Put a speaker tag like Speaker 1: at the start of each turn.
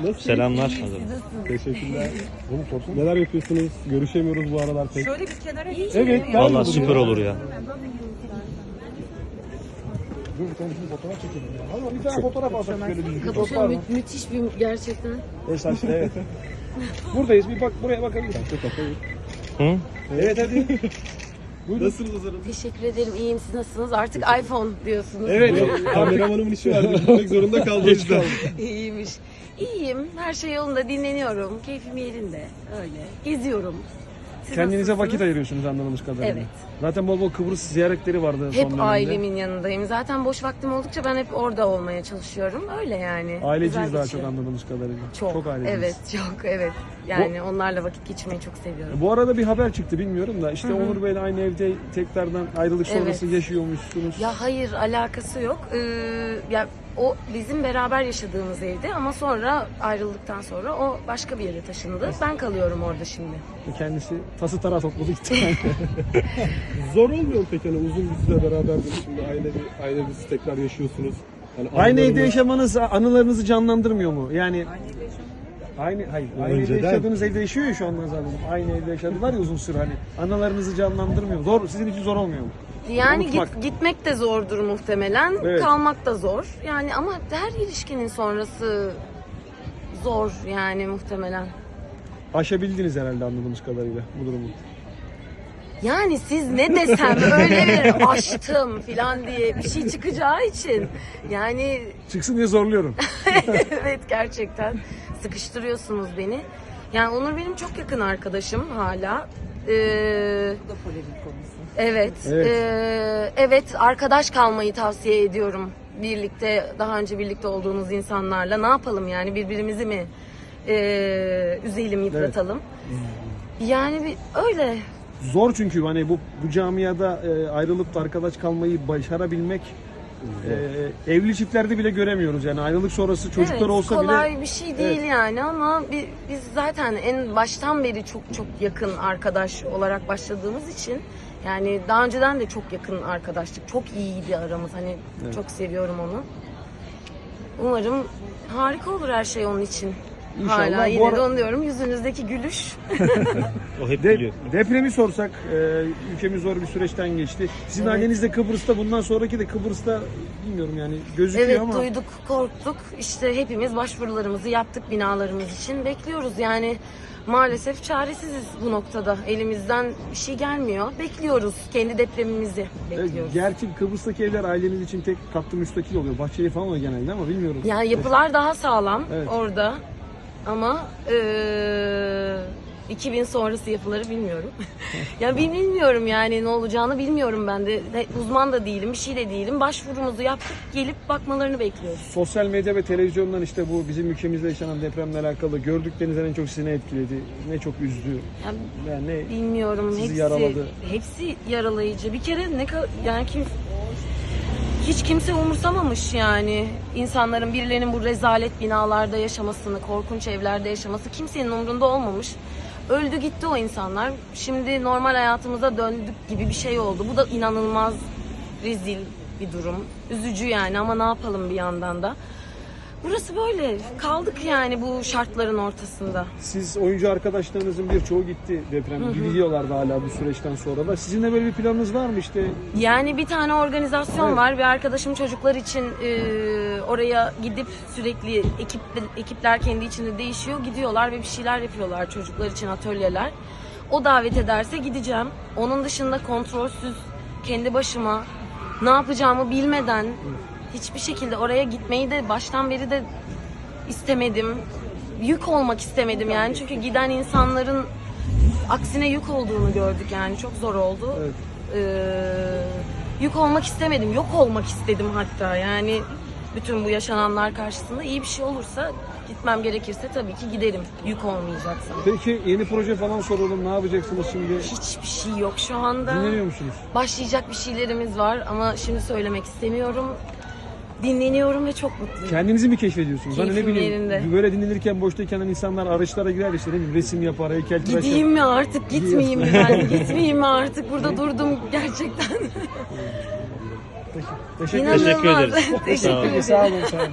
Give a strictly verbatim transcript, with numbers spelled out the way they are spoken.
Speaker 1: Nasılsınız?
Speaker 2: Selamlar.
Speaker 1: Teşekkürler. Oğlum sorsun. Neler yapıyorsunuz? Görüşemiyoruz bu aralar pek.
Speaker 3: Şöyle bir kenara
Speaker 1: Evet. gel
Speaker 2: Vallahi
Speaker 1: buraya.
Speaker 2: süper olur ya.
Speaker 1: Dur bir tane bir fotoğraf çekelim ya. Hadi bir tane fotoğraf alsak şöyle bir fotoğraf var
Speaker 4: Kapışan
Speaker 1: mı?
Speaker 4: mü- müthiş bir gerçekten.
Speaker 1: Esas evet. Buradayız bir bak buraya bakabiliriz.
Speaker 2: Hı?
Speaker 1: Evet hadi. Buyurun. Nasılsınız Hazarım?
Speaker 4: Teşekkür ederim. İyiyim. Siz nasılsınız? Artık iPhone diyorsunuz.
Speaker 1: Evet. Kameramanımın işi vardı. Gitmek zorunda kaldı. Geç kaldı.
Speaker 4: İyiymiş. İyiyim. Her şey yolunda. Dinleniyorum. Keyfim yerinde. Öyle. Geziyorum. Siz
Speaker 5: Kendinize
Speaker 4: nasılsınız?
Speaker 5: vakit ayırıyorsunuz anladığımız kadarıyla.
Speaker 4: Evet.
Speaker 5: Zaten bol bol Kıbrıs ziyaretleri vardı son
Speaker 4: Hep
Speaker 5: dönemde.
Speaker 4: ailemin yanındayım. Zaten boş vaktim oldukça ben hep orada olmaya çalışıyorum. Öyle yani.
Speaker 5: Aileciyiz
Speaker 4: Güzel
Speaker 5: daha
Speaker 4: geçiyor.
Speaker 5: çok anladığımız kadarıyla.
Speaker 4: Çok.
Speaker 5: aileciyiz.
Speaker 4: Evet, çok evet. Yani onlarla vakit geçirmeyi çok seviyorum.
Speaker 5: Bu arada bir haber çıktı bilmiyorum da işte Onur Bey'le aynı evde tekrardan ayrılık sonrası
Speaker 4: Evet.
Speaker 5: yaşıyormuşsunuz.
Speaker 4: Ya hayır, alakası yok. Ee, ya o bizim beraber yaşadığımız evde ama sonra ayrıldıktan sonra o başka bir yere taşındı. Ben kalıyorum orada şimdi.
Speaker 5: Kendisi tası tarağı topladı gitti.
Speaker 1: Zor olmuyor mu peki hani uzun bir süre beraberdiniz şimdi aile bir aile bir tekrar yaşıyorsunuz. Hani
Speaker 5: Aynı evde
Speaker 1: anılarını-
Speaker 5: yaşamanız anılarınızı canlandırmıyor mu? Yani Aynı hayır. Aynı evde
Speaker 1: Önceden-
Speaker 5: yaşadığınız evde yaşıyor ya şu anda zaten. Aynı evde yaşadılar ya uzun süre hani. Anılarınızı canlandırmıyor. Zor sizin için zor olmuyor mu?
Speaker 4: Yani
Speaker 5: Unutmak.
Speaker 4: git, gitmek de zordur muhtemelen,
Speaker 5: Evet.
Speaker 4: kalmak da zor. Yani ama her ilişkinin sonrası zor yani muhtemelen.
Speaker 5: Aşabildiniz herhalde anladığımız kadarıyla bu durumu.
Speaker 4: Yani siz ne desem öyle bir aştım falan diye bir şey çıkacağı için yani
Speaker 5: Çıksın diye zorluyorum.
Speaker 4: evet gerçekten sıkıştırıyorsunuz beni. Yani Onur benim çok yakın arkadaşım hala. Ee,
Speaker 3: Bu da polemik konusu.
Speaker 4: evet,
Speaker 5: Evet.
Speaker 4: ee, evet arkadaş kalmayı tavsiye ediyorum. Birlikte daha önce birlikte olduğumuz insanlarla ne yapalım yani birbirimizi mi ee, üzelim yıpratalım. Yani bir, öyle.
Speaker 5: Zor çünkü hani bu bu camiada e, ayrılıp da arkadaş kalmayı başarabilmek e, evli çiftlerde bile göremiyoruz yani ayrılık sonrası çocuklar
Speaker 4: evet,
Speaker 5: olsa
Speaker 4: kolay
Speaker 5: bile
Speaker 4: bir şey değil yani ama bi- biz zaten en baştan beri çok çok yakın arkadaş olarak başladığımız için yani daha önceden de çok yakın arkadaşlık. Çok iyiydi aramız. Hani çok seviyorum onu. Umarım harika olur her şey onun için.
Speaker 5: İnşallah.
Speaker 4: Hala
Speaker 5: Bu
Speaker 4: yine
Speaker 5: ara-
Speaker 4: de onu diyorum. Yüzünüzdeki gülüş.
Speaker 2: O hep
Speaker 5: de,
Speaker 2: biliyor.
Speaker 5: depremi sorsak e, ülkemiz zor bir süreçten geçti. Sizin
Speaker 4: Evet.
Speaker 5: anneniz de Kıbrıs'ta bundan sonraki de Kıbrıs'ta bilmiyorum yani gözüküyor
Speaker 4: Evet
Speaker 5: ama
Speaker 4: duyduk, korktuk. İşte hepimiz başvurularımızı yaptık binalarımız için. Bekliyoruz yani. Maalesef çaresiziz bu noktada. Elimizden bir şey gelmiyor. Bekliyoruz. Kendi depremimizi
Speaker 5: e,
Speaker 4: bekliyoruz.
Speaker 5: gerçi Kıbrıs'taki evler aileniz için tek katlı müstakil oluyor. Bahçeli falan oluyor genelde ama bilmiyorum.
Speaker 4: Yani yapılar daha sağlam
Speaker 5: Evet.
Speaker 4: orada. Ama eee iki bin sonrası yapıları bilmiyorum. ya bil- bilmiyorum yani ne olacağını bilmiyorum ben de. De- Uzman da değilim, bir şey de değilim. Başvurumuzu yaptık, gelip bakmalarını bekliyoruz.
Speaker 5: Sosyal medya ve televizyondan işte bu bizim ülkemizde yaşanan depremle alakalı gördüklerinizden en çok sizi ne etkiledi, ne çok üzdü,
Speaker 4: Yani
Speaker 5: yani ne
Speaker 4: bilmiyorum
Speaker 5: Sizi
Speaker 4: hepsi
Speaker 5: yaraladı.
Speaker 4: hepsi yaralayıcı. Bir kere ne kadar yani kim hiç kimse umursamamış yani insanların birilerinin bu rezalet binalarda yaşamasını, korkunç evlerde yaşaması kimsenin umrunda olmamış. Öldü gitti o insanlar. Şimdi normal hayatımıza döndük gibi bir şey oldu. Bu da inanılmaz rezil bir durum. Üzücü yani ama ne yapalım bir yandan da. Burası böyle. Kaldık yani bu şartların ortasında.
Speaker 5: siz oyuncu arkadaşlarınızın birçoğu gitti deprem. Gidiyorlardı hala bu süreçten sonra da. Sizin de böyle bir planınız var mı işte?
Speaker 4: Yani bir tane organizasyon
Speaker 5: Evet.
Speaker 4: var. Bir arkadaşım çocuklar için e, oraya gidip sürekli ekip ekipler kendi içinde değişiyor. Gidiyorlar ve bir şeyler yapıyorlar çocuklar için atölyeler. O davet ederse gideceğim. Onun dışında kontrolsüz kendi başıma ne yapacağımı bilmeden hiçbir şekilde oraya gitmeyi de baştan beri de istemedim. Yük olmak istemedim yani. Çünkü giden insanların aksine yük olduğunu gördük yani. Çok zor oldu.
Speaker 5: Evet.
Speaker 4: Ee, yük olmak istemedim. Yok olmak istedim hatta. Yani bütün bu yaşananlar karşısında iyi bir şey olursa gitmem gerekirse tabii ki giderim. Yük olmayacaksam.
Speaker 5: Peki yeni proje falan soralım. Ne yapacaksınız şimdi?
Speaker 4: Hiçbir şey yok şu anda.
Speaker 5: Dinleniyor musunuz?
Speaker 4: Başlayacak bir şeylerimiz var ama şimdi söylemek istemiyorum. Dinleniyorum ve çok mutluyum.
Speaker 5: Kendinizi mi keşfediyorsunuz? Hani ne
Speaker 4: Keyfim
Speaker 5: bileyim
Speaker 4: yerinde.
Speaker 5: böyle dinlenirken boştayken hani insanlar araçlara girer işte ne bileyim resim yapar, heykeltıraş
Speaker 4: Gideyim
Speaker 5: yapar.
Speaker 4: mi artık gitmeyeyim mi ben? Gitmeyeyim mi artık? Burada durdum gerçekten.
Speaker 5: Teşekkür
Speaker 4: İnanılmaz.
Speaker 2: Teşekkür ederiz.
Speaker 4: Teşekkür
Speaker 2: Sağ olun.
Speaker 4: ederim.
Speaker 5: Sağ olun. Sağ olun.